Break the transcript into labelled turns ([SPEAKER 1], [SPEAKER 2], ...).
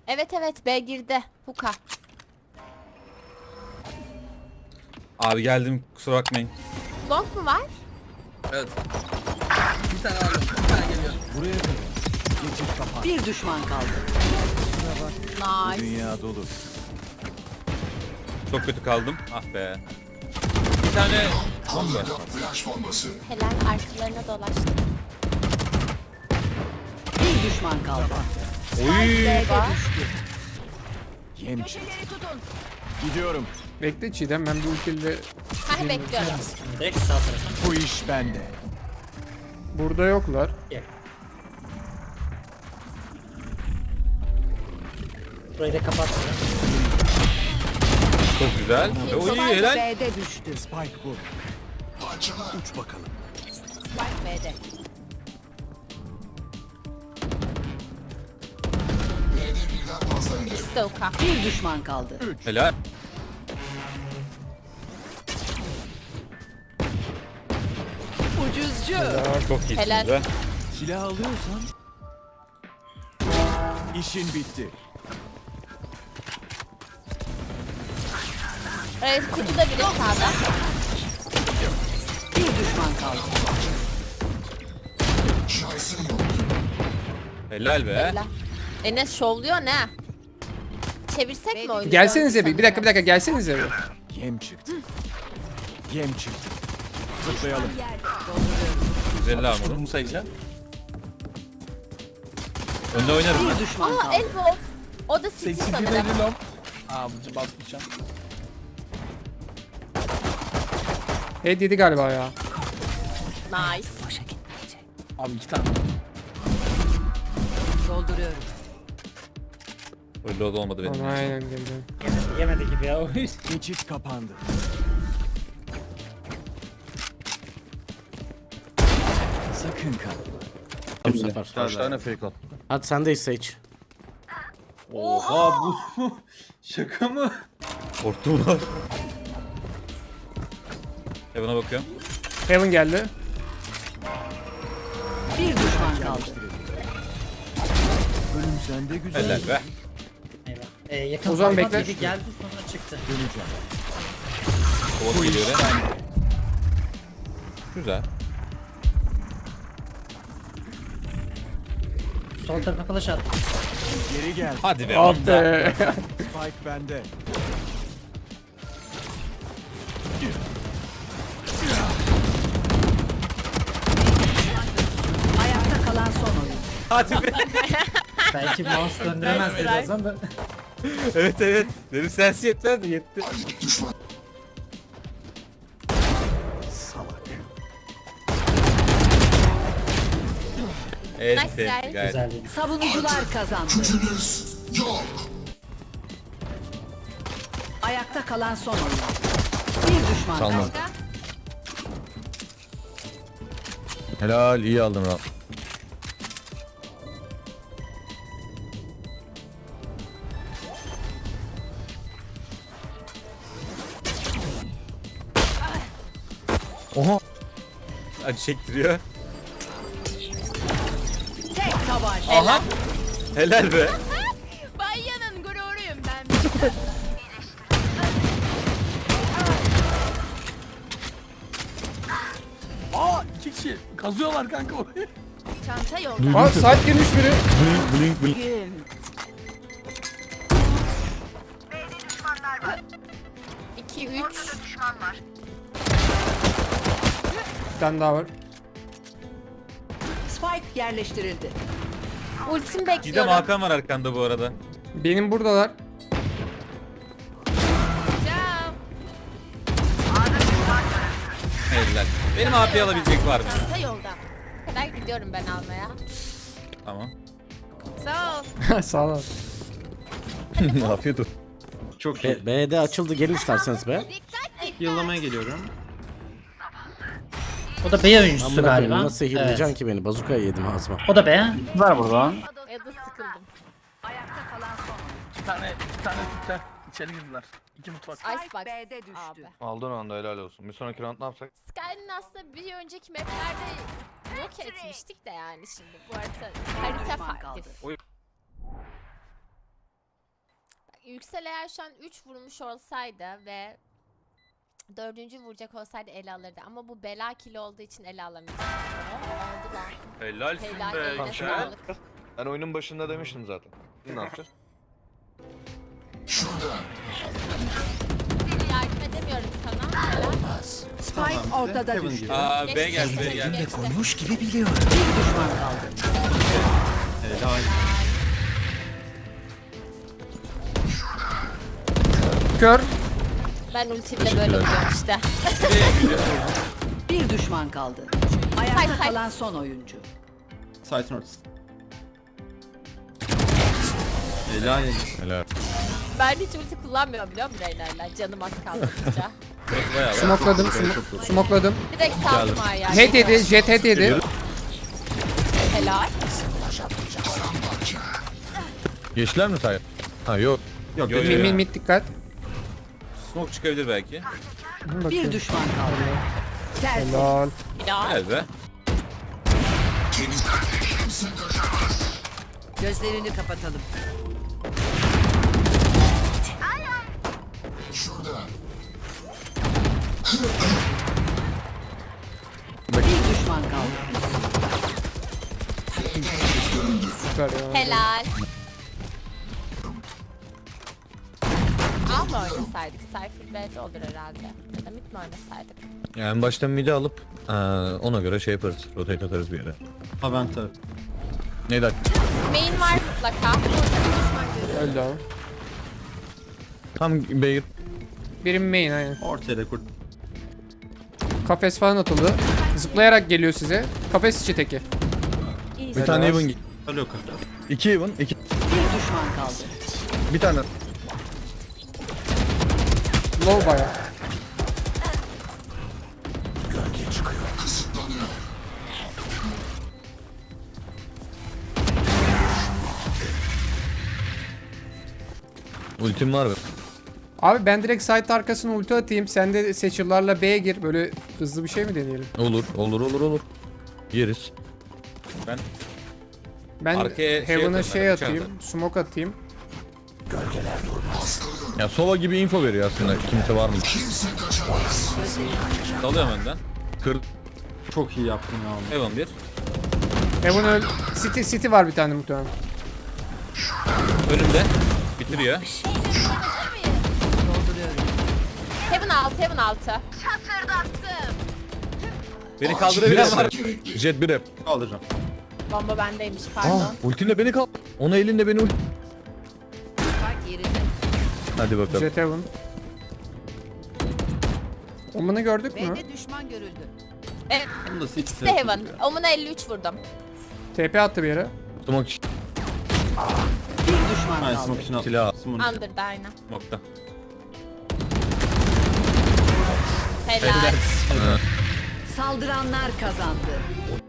[SPEAKER 1] Evet evet, B girdi. Huka.
[SPEAKER 2] Abi geldim, kusura bakmayın.
[SPEAKER 1] Long mu var?
[SPEAKER 3] Evet. Bir tane aldım. Bir tane geliyor.
[SPEAKER 4] Buraya kadar. Geçit kapan.
[SPEAKER 5] Bir düşman kaldı.
[SPEAKER 1] Nice.
[SPEAKER 4] Dünya dolu.
[SPEAKER 2] Çok kötü kaldım. Ah be. Bir tane bomba.
[SPEAKER 1] Helal, arkalarına dolaştı.
[SPEAKER 5] Bir düşman kaldı.
[SPEAKER 2] Oy.
[SPEAKER 4] Yem çıktı. Gidiyorum.
[SPEAKER 6] Bekle Çiğdem, ben bir ultiyle
[SPEAKER 1] Hah, bekliyorum.
[SPEAKER 7] Direkt sağ tarafa.
[SPEAKER 4] Bu iş bende.
[SPEAKER 6] burada yoklar.
[SPEAKER 7] Gel. Burayı da kapat.
[SPEAKER 2] Çok güzel. Oy helal.
[SPEAKER 5] B'de düştü.
[SPEAKER 4] Spike bu. Uç bakalım.
[SPEAKER 1] Spike B'de. İkisi de Huka.
[SPEAKER 5] Bir düşman kaldı.
[SPEAKER 2] Helal.
[SPEAKER 5] Ucuzcu.
[SPEAKER 2] Çok iyisin
[SPEAKER 1] Helal.
[SPEAKER 2] be.
[SPEAKER 4] Silah alıyorsan işin bitti.
[SPEAKER 1] Evet, kutuda biri sağda.
[SPEAKER 5] Bir düşman kaldı.
[SPEAKER 2] Helal be.
[SPEAKER 1] Helal. Enes şovluyor ne? Çevirsek mi oyunu?
[SPEAKER 6] Gelsenize bir dakika gelsenize bir.
[SPEAKER 4] Yem çıktı. Yem çıktı. Zıplayalım.
[SPEAKER 2] 150 armorum.
[SPEAKER 3] Bunu sayacağım.
[SPEAKER 2] Önde oynarım ben.
[SPEAKER 5] Bir düşman
[SPEAKER 1] Aa,
[SPEAKER 5] kaldı.
[SPEAKER 1] elbow. O da City
[SPEAKER 3] 82
[SPEAKER 1] sanırım.
[SPEAKER 3] belli lan. Aa bu basmayacağım.
[SPEAKER 6] Head yedi galiba ya.
[SPEAKER 1] Nice.
[SPEAKER 3] Abi 2 tane.
[SPEAKER 5] Dolduruyorum.
[SPEAKER 2] Öyle de olmadı benim.
[SPEAKER 6] Tamam, aynen geldim.
[SPEAKER 7] Yemedi gibi ya o iş.
[SPEAKER 4] Geçit kapandı. Sakın kalma.
[SPEAKER 8] Bu sefer.
[SPEAKER 9] Kaç tane fake at?
[SPEAKER 8] Hadi sendeyiz Sage.
[SPEAKER 9] Oha bu şaka mı?
[SPEAKER 2] Korktum var. Heaven'a bakıyorum.
[SPEAKER 6] Heaven geldi.
[SPEAKER 5] Bir düşman kaldı.
[SPEAKER 4] Ölüm sende güzel.
[SPEAKER 2] Helal be.
[SPEAKER 7] Eyvah. Yakın
[SPEAKER 6] Ozan
[SPEAKER 7] parmak
[SPEAKER 6] bekle.
[SPEAKER 7] gibi geldi sonra çıktı.
[SPEAKER 4] Döneceğim.
[SPEAKER 2] Kovalı geliyor ya. Güzel.
[SPEAKER 7] Sol tarafa flash at.
[SPEAKER 4] Geri gel.
[SPEAKER 2] Hadi be.
[SPEAKER 6] Ah
[SPEAKER 2] onda.
[SPEAKER 6] be.
[SPEAKER 4] Spike bende.
[SPEAKER 5] Ayakta kalan son oyun.
[SPEAKER 2] Hadi be.
[SPEAKER 7] Belki mouse döndüremez birazdan da.
[SPEAKER 2] Evet evet. Benim sensi yetmez mi? Yetti.
[SPEAKER 4] Salak.
[SPEAKER 2] Evet.
[SPEAKER 1] Nice try.
[SPEAKER 2] Gayet.
[SPEAKER 7] Güzeldi.
[SPEAKER 5] Savunucular kazandı. Ayakta kalan son oyun. Bir düşman kaldı.
[SPEAKER 1] Başka?
[SPEAKER 9] Helal iyi aldın lan. Oha.
[SPEAKER 2] Acı çektiriyor.
[SPEAKER 5] Tek tabanca.
[SPEAKER 2] Aha. Helal be.
[SPEAKER 1] Bayanın gururuyum ben.
[SPEAKER 3] Aa 2 kişi kazıyorlar kanka orayı.
[SPEAKER 1] Çanta yolda.
[SPEAKER 6] Aa, side girmiş biri.
[SPEAKER 9] Blink blink.
[SPEAKER 5] Gün.
[SPEAKER 1] 2 3.
[SPEAKER 6] Bir tane daha var.
[SPEAKER 5] Spike yerleştirildi.
[SPEAKER 1] Ultim
[SPEAKER 2] Gidem
[SPEAKER 1] bekliyorum.
[SPEAKER 2] Hakan var arkanda bu arada.
[SPEAKER 6] Benim buradalar.
[SPEAKER 1] Cam.
[SPEAKER 2] Helal. Benim AP alabilecek var mı?
[SPEAKER 1] Çanta yolda. Kadar gidiyorum ben almaya.
[SPEAKER 2] Tamam.
[SPEAKER 1] Sağ ol.
[SPEAKER 6] Sağ ol.
[SPEAKER 9] Afiyet olsun. Çok iyi.
[SPEAKER 8] B'de açıldı, gelin isterseniz be.
[SPEAKER 9] Yıllamaya geliyorum.
[SPEAKER 7] O da B oyuncusu
[SPEAKER 8] Amına koyayım,
[SPEAKER 7] galiba.
[SPEAKER 8] nasıl healayacaksın ki beni? Bazukayı yedim ağzıma.
[SPEAKER 7] O da B.
[SPEAKER 9] Ver buradan.
[SPEAKER 1] Ya da sıkıldım.
[SPEAKER 5] Ayakta kalan son oyun.
[SPEAKER 3] 2 tane Türkler içeri girdiler. 2 mutfak.
[SPEAKER 1] Icebox.
[SPEAKER 5] B'de düştü.
[SPEAKER 1] Abi.
[SPEAKER 9] Aldığın anda helal olsun. Bir sonraki round ne yapsak?
[SPEAKER 1] Skyrim'in aslında bir önceki maplerde yok etmiştik de yani şimdi bu harita
[SPEAKER 5] Düşman
[SPEAKER 1] farklı.
[SPEAKER 5] kaldı.
[SPEAKER 1] Yüksel eğer şu an 3 vurmuş olsaydı ve 4. vuracak olsaydı ele alırdı. Ama bu bela kili olduğu için ele alamayacak. Oldu lan.
[SPEAKER 2] Helalsin
[SPEAKER 1] Helal
[SPEAKER 2] be.
[SPEAKER 1] eline
[SPEAKER 2] Güzel.
[SPEAKER 1] sağlık.
[SPEAKER 9] Ben oyunun başında demiştim zaten. Şimdi ne yapacağız?
[SPEAKER 1] Yardım edemiyorum sana. Helal.
[SPEAKER 5] Spike ortada düştü.
[SPEAKER 2] Aa B
[SPEAKER 1] Geçti,
[SPEAKER 2] geldi B
[SPEAKER 1] geçti,
[SPEAKER 2] geldi.
[SPEAKER 1] geçti.
[SPEAKER 4] Koymuş gibi biliyorum.
[SPEAKER 5] Bir düşman kaldı.
[SPEAKER 6] Kör.
[SPEAKER 1] Ben ultimle böyle vuruyorum işte.
[SPEAKER 5] Bir düşman kaldı. Ayakta
[SPEAKER 1] Say, say.
[SPEAKER 5] kalan son oyuncu.
[SPEAKER 3] Site'ın ortası. Helal.
[SPEAKER 9] Helal.
[SPEAKER 1] Ben hiç ulti kullanmıyorum biliyor musun Reyna'yla? Canım az kaldıkça.
[SPEAKER 2] Bayağı var.
[SPEAKER 6] Smokladım. Smokladım.
[SPEAKER 1] Direkt saldım ayağı.
[SPEAKER 6] Head yedi. Jet head yedi.
[SPEAKER 1] Helal.
[SPEAKER 9] Geçtiler mi say? Ha yok.
[SPEAKER 3] Yok.
[SPEAKER 2] Yo, yo,
[SPEAKER 6] Mid
[SPEAKER 2] yo.
[SPEAKER 6] mid gidikkat.
[SPEAKER 2] Smoke çıkabilir belki.
[SPEAKER 5] Bir düşman kaldı. Tertemiz.
[SPEAKER 6] Lol.
[SPEAKER 1] Helal.
[SPEAKER 2] Helal be.
[SPEAKER 5] Gözlerini kapatalım. Bir düşman kaldı.
[SPEAKER 6] Süper ya.
[SPEAKER 1] Helal. A mı oynasaydık? Cypher B'de olur herhalde. Ya da mid mi oynasaydık?
[SPEAKER 9] Yani en baştan mid'i alıp ona göre şey yaparız. Rotate atarız bir yere.
[SPEAKER 3] Aventa.
[SPEAKER 9] Neydi?
[SPEAKER 1] Main var mutlaka.
[SPEAKER 6] Öldü abi.
[SPEAKER 9] Tam B'ye
[SPEAKER 6] Birim main aynen.
[SPEAKER 3] Ortaya da kurt.
[SPEAKER 6] Kafes falan atıldı. Zıplayarak geliyor size. Kafes içi teki.
[SPEAKER 9] bir tane
[SPEAKER 6] Helal.
[SPEAKER 9] even.
[SPEAKER 3] Alo kurt.
[SPEAKER 9] 2 even. 2.
[SPEAKER 5] Bir düşman kaldı.
[SPEAKER 9] Bir tane.
[SPEAKER 6] Low baya.
[SPEAKER 9] Ultim var mı?
[SPEAKER 6] Abi ben direkt site arkasına ulti atayım. Sen de seçillerle B'ye gir. Böyle hızlı bir şey mi deneyelim?
[SPEAKER 9] Olur. Yeriz.
[SPEAKER 6] Ben
[SPEAKER 2] Arkaya şey
[SPEAKER 6] Heaven'a
[SPEAKER 2] atarım
[SPEAKER 6] şey
[SPEAKER 2] ben,
[SPEAKER 6] atayım.
[SPEAKER 2] bıçağı
[SPEAKER 6] Smoke atayım.
[SPEAKER 9] Ya Sova gibi info veriyor aslında. Kimse var mı?
[SPEAKER 2] Dalıyorum önden.
[SPEAKER 9] Kır.
[SPEAKER 3] Çok iyi yaptın ya.
[SPEAKER 2] Evan 1.
[SPEAKER 6] Heaven öl. City var bir tane muhtemelen.
[SPEAKER 2] Önümde. Bitiriyor.
[SPEAKER 1] Heaven 6, Heaven 6.
[SPEAKER 2] Beni
[SPEAKER 9] Bir
[SPEAKER 2] kaldırabilen var.
[SPEAKER 9] rap. Jet bir rap.
[SPEAKER 3] Kaldıracağım.
[SPEAKER 1] Bomba bendeymiş pardon.
[SPEAKER 9] Ultinle beni kal. Ona elinde beni ult.
[SPEAKER 5] Spike yerinde.
[SPEAKER 9] Hadi bakalım.
[SPEAKER 6] Jet Heaven. Oman'ı gördük mü?
[SPEAKER 5] B'de düşman görüldü.
[SPEAKER 1] Evet,
[SPEAKER 3] Bunu da
[SPEAKER 1] ikisi de Heaven. Omuna 53 vurdum.
[SPEAKER 6] TP attı bir yere.
[SPEAKER 9] Tutmak için
[SPEAKER 5] Bir düşman
[SPEAKER 3] Hayır
[SPEAKER 5] kaldı.
[SPEAKER 3] smoke için al.
[SPEAKER 9] silah.
[SPEAKER 3] Smoke için.
[SPEAKER 1] Under'da aynen.
[SPEAKER 2] Nokta.
[SPEAKER 1] Helal.
[SPEAKER 5] Saldıranlar kazandı.